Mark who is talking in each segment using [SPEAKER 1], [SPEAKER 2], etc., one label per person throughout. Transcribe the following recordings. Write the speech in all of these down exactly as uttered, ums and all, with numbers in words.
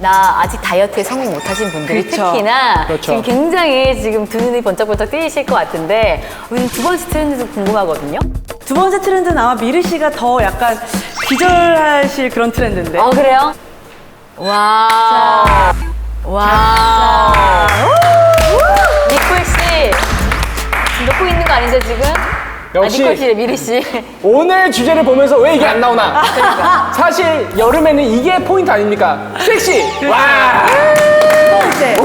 [SPEAKER 1] 나 아직 다이어트에 성공 못하신 분들이
[SPEAKER 2] 그렇죠.
[SPEAKER 1] 특히나
[SPEAKER 3] 그렇죠.
[SPEAKER 1] 지금 굉장히 지금 두 눈이 번쩍번쩍 뜨이실 것 같은데 우리 두 번째 트렌드도 궁금하거든요.
[SPEAKER 2] 두 번째 트렌드는 아마 미르 씨가 더 약간 기절하실 그런 트렌드인데.
[SPEAKER 1] 어 그래요? 와. 와. 니콜 씨 지금 놓고 있는 거 아니죠 지금?
[SPEAKER 3] 역시.
[SPEAKER 1] 아, 니콜 씨래 미르 씨.
[SPEAKER 3] 오늘 주제를 보면서 왜 이게 안 나오나? 사실 여름에는 이게 포인트 아닙니까? 섹시! 와!
[SPEAKER 2] 두 번째.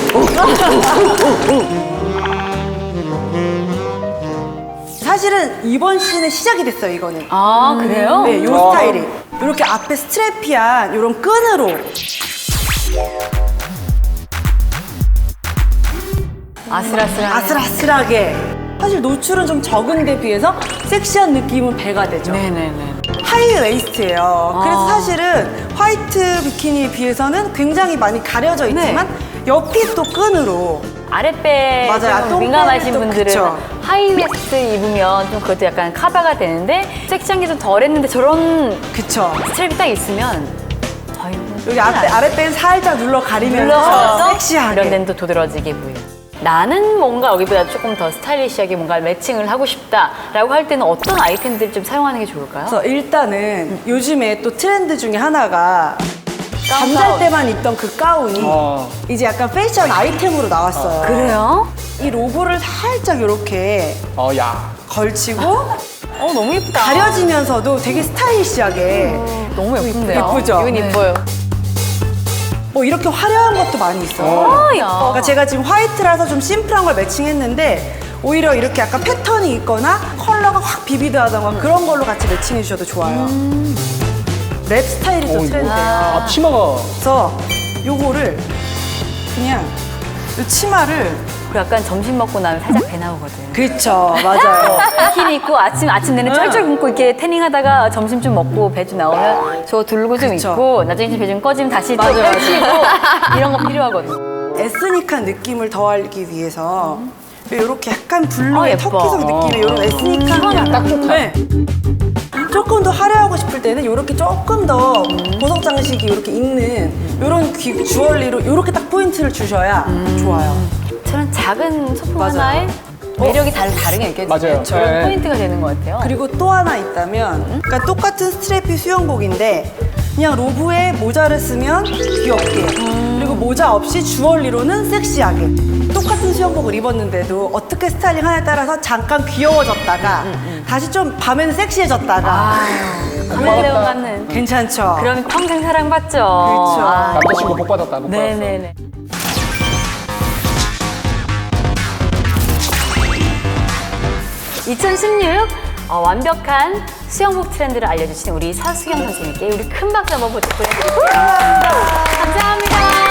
[SPEAKER 2] 사실은 이번 시즌의 시작이 됐어요, 이거는.
[SPEAKER 1] 아 그래요?
[SPEAKER 2] 네, 요
[SPEAKER 3] 어.
[SPEAKER 2] 스타일이. 이렇게 앞에 스트랩이한 이런 끈으로.
[SPEAKER 1] 아슬아슬한.
[SPEAKER 2] 아슬아슬하게. 사실 노출은 좀 적은데 비해서 섹시한 느낌은 배가 되죠.
[SPEAKER 1] 네네네.
[SPEAKER 2] 하이 웨이스트예요. 그래서
[SPEAKER 1] 아.
[SPEAKER 2] 사실은 화이트 비키니에 비해서는 굉장히 많이 가려져 있지만 옆이 또 끈으로.
[SPEAKER 1] 아랫배
[SPEAKER 2] 맞아요.
[SPEAKER 1] 좀
[SPEAKER 2] 똥배는
[SPEAKER 1] 민감하신
[SPEAKER 2] 또
[SPEAKER 1] 분들은
[SPEAKER 2] 그쵸.
[SPEAKER 1] 하이웨스트 입으면 좀 그것도 약간 커버가 되는데 섹시한 게 좀 덜했는데 저런
[SPEAKER 2] 그쵸.
[SPEAKER 1] 스트랩이 딱 있으면 아이고
[SPEAKER 2] 여기 앞에, 아랫배는 살짝 눌러 가리면서
[SPEAKER 1] 눌러서
[SPEAKER 2] 섹시하게.
[SPEAKER 1] 이런 데는 또 도드라지게 보여. 나는 뭔가 여기보다 조금 더 스타일리시하게 뭔가 매칭을 하고 싶다라고 할 때는 어떤 아이템들을 좀 사용하는 게 좋을까요?
[SPEAKER 2] 그래서 일단은 요즘에 또 트렌드 중에 하나가
[SPEAKER 1] 가운,
[SPEAKER 2] 잠잘
[SPEAKER 1] 가운.
[SPEAKER 2] 때만 입던 그 가운이
[SPEAKER 3] 어.
[SPEAKER 2] 이제 약간 패션 아이템으로 나왔어요.
[SPEAKER 1] 그래요?
[SPEAKER 2] 이 로고를 살짝 이렇게
[SPEAKER 3] 어, 야.
[SPEAKER 2] 걸치고
[SPEAKER 1] 어 너무 예쁘다.
[SPEAKER 2] 가려지면서도 되게 스타일리시하게
[SPEAKER 1] 너무 예쁜데요?
[SPEAKER 2] 예쁘죠?
[SPEAKER 1] 이건
[SPEAKER 2] 네.
[SPEAKER 1] 예뻐요.
[SPEAKER 2] 뭐 이렇게 화려한 것도 많이 있어요.
[SPEAKER 1] 아, 야.
[SPEAKER 2] 그러니까 제가 지금 화이트라서 좀 심플한 걸 매칭했는데 오히려 이렇게 약간 패턴이 있거나 컬러가 확 비비드하다거나 그런 걸로 같이 매칭해 주셔도 좋아요. 랩 스타일이 또
[SPEAKER 3] 오, 이거.
[SPEAKER 2] 트렌드예요.
[SPEAKER 3] 아, 치마가.
[SPEAKER 2] 그래서 요거를 그냥 이 치마를
[SPEAKER 1] 그 약간 점심 먹고 나면 살짝 배 나오거든.
[SPEAKER 2] 그렇죠. 맞아요.
[SPEAKER 1] 비키니 입고 아침 아침 내내 쩔쩔 굶고 이렇게 태닝하다가 점심 좀 먹고 배 좀 나오면 저거 들고 좀
[SPEAKER 2] 그쵸.
[SPEAKER 1] 입고 나중에 배 좀 꺼지면 다시 또
[SPEAKER 2] 맞아요,
[SPEAKER 1] 펼치고 이런 거 필요하거든.
[SPEAKER 2] 에스닉한 느낌을 더하기 위해서 이렇게 약간 블루의
[SPEAKER 1] 아, 예뻐.
[SPEAKER 2] 터키색 느낌의 이런 에스닉한 그냥
[SPEAKER 3] 딱 좋다.
[SPEAKER 2] 네. 조금 더 화려하고 싶을 때는 이렇게 조금 더 보석 장식이 이렇게 있는 이런 귀 주얼리로 이렇게 딱 포인트를 주셔야 좋아요.
[SPEAKER 1] 저는 작은 소품
[SPEAKER 2] 맞아요.
[SPEAKER 1] 하나에 매력이 다르, 다르게 느껴지는
[SPEAKER 3] 맞아요.
[SPEAKER 1] 그런
[SPEAKER 3] 네.
[SPEAKER 1] 포인트가 되는 것 같아요.
[SPEAKER 2] 그리고 또 하나 있다면 그러니까 똑같은 스트랩이 수영복인데 그냥 로브에 모자를 쓰면 귀엽게 그리고 모자 없이 주얼리로는 섹시하게 똑같은 수영복을 입었는데도 어떻게 스타일링 하냐에 따라서 잠깐 귀여워졌다가 다시 좀 밤에는 섹시해졌다가
[SPEAKER 1] 카멜레온 같는.
[SPEAKER 2] 괜찮죠?
[SPEAKER 1] 그럼 평생 사랑받죠.
[SPEAKER 2] 그렇죠.
[SPEAKER 1] 아,
[SPEAKER 3] 남자친구 복 받았다, 복 받았어.
[SPEAKER 1] 네네네. 이천십육 어, 완벽한 수영복 트렌드를 알려주신 우리 서수경 선생님께 우리 큰 박수 한번 보내드릴게요. 감사합니다.